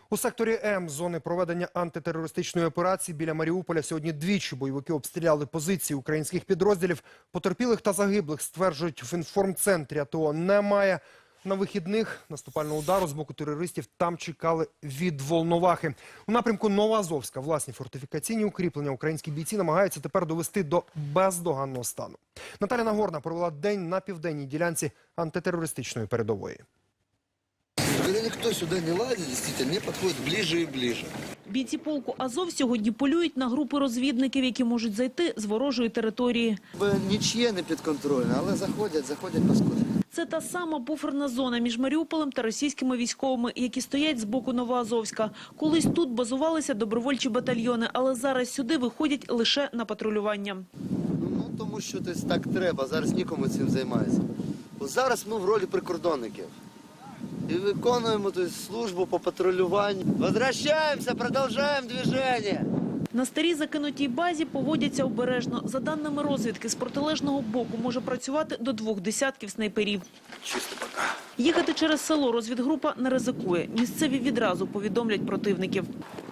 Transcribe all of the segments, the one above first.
У секторі М зони проведення антитерористичної операції біля Маріуполя сьогодні двічі бойовики обстріляли позиції українських підрозділів. Потерпілих та загиблих, стверджують в інформцентрі АТО, немає. На вихідних наступального удару з боку терористів там чекали від Волновахи. У напрямку Новоазовська власні фортифікаційні укріплення українські бійці намагаються тепер довести до бездоганного стану. Наталя Нагорна провела день на південній ділянці антитерористичної передової. Когда никто сюда не лазит, действительно, мне подходит ближе и ближе. Бійці полку «Азов» сьогодні полюють на групи розвідників, які можуть зайти з ворожої території. Нічиє не підконтрольне, але заходять паскуди. Це та сама буферна зона між Маріуполем та російськими військовими, які стоять з боку Новоазовська. Колись тут базувалися добровольчі батальйони, але зараз сюди виходять лише на патрулювання. Ну, тому що так треба, зараз нікому цим займається. Зараз ми в ролі прикордонників. І виконуємо службу по патрулюванню. Возвращаємося, продовжуємо движення. На старій закинутій базі поводяться обережно. За даними розвідки, з протилежного боку може працювати до 2 десятків снайперів. Чисто пока. Їхати через село розвідгрупа не ризикує. Місцеві відразу повідомлять противників.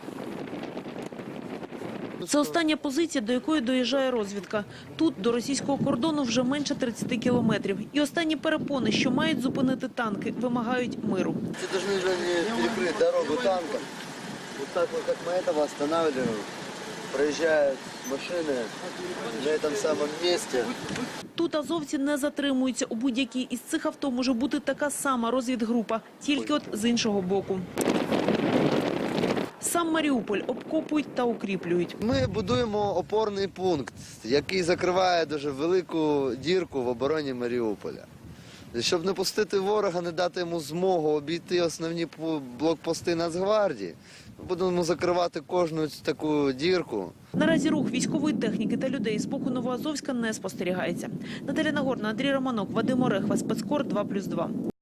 Це остання позиція, до якої доїжджає розвідка. Тут до російського кордону вже менше 30 кілометрів. І останні перепони, що мають зупинити танки, вимагають миру. Це повинні перекрити дорогу танкам. Вот так вот, как мы этого останавливаем, проезжают машины на этом самом месте. Тут азовці не затримуються. У будь-якій із цих авто може бути така сама розвідгрупа, тільки от з іншого боку. Сам Маріуполь обкопують та укріплюють. Ми будуємо опорний пункт, який закриває дуже велику дірку в обороні Маріуполя. Щоб не пустити ворога, не дати йому змогу обійти основні блокпости Нацгвардії, ми будемо закривати кожну таку дірку. Наразі рух військової техніки та людей з боку Новоазовська не спостерігається. Наталя Нагорна, Андрій Романок, Вадим Орехва, Спецкор 2+2.